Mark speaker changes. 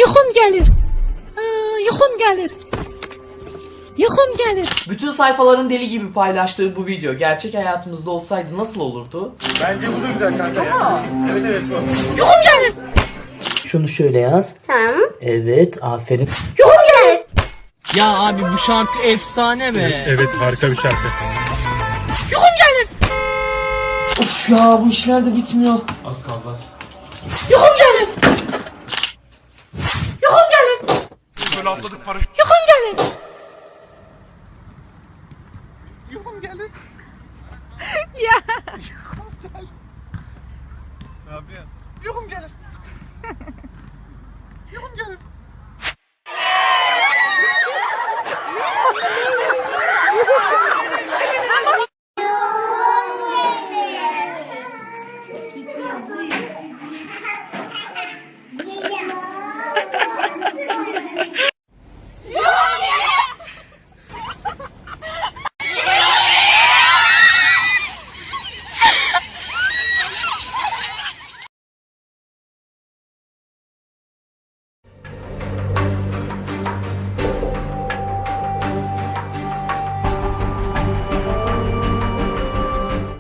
Speaker 1: Yuxum gelir. Yuxum gelir. Yuxum gelir.
Speaker 2: Bütün sayfaların deli gibi paylaştığı bu video gerçek hayatımızda olsaydı nasıl olurdu?
Speaker 3: Bence bu da güzel kanka ya. Evet evet bu.
Speaker 1: Yuxum gelir.
Speaker 2: Şunu şöyle yaz.
Speaker 4: Tamam.
Speaker 2: Evet, aferin.
Speaker 4: Yuhum gelir.
Speaker 5: Ya abi bu şarkı efsane be.
Speaker 3: Evet harika bir şarkı.
Speaker 1: Yuxum gelir.
Speaker 2: Of ya, bu işler de bitmiyor.
Speaker 3: Az kaldı az.
Speaker 1: Yuxum gelir. Yuxum gelir.
Speaker 3: Böyle atladık paraşüt.
Speaker 1: Yuxum gelir.
Speaker 3: Yuhum gelir.
Speaker 1: Ya.
Speaker 3: Ne yapıyorsun? Yuhum gelir. Yuhum gelir.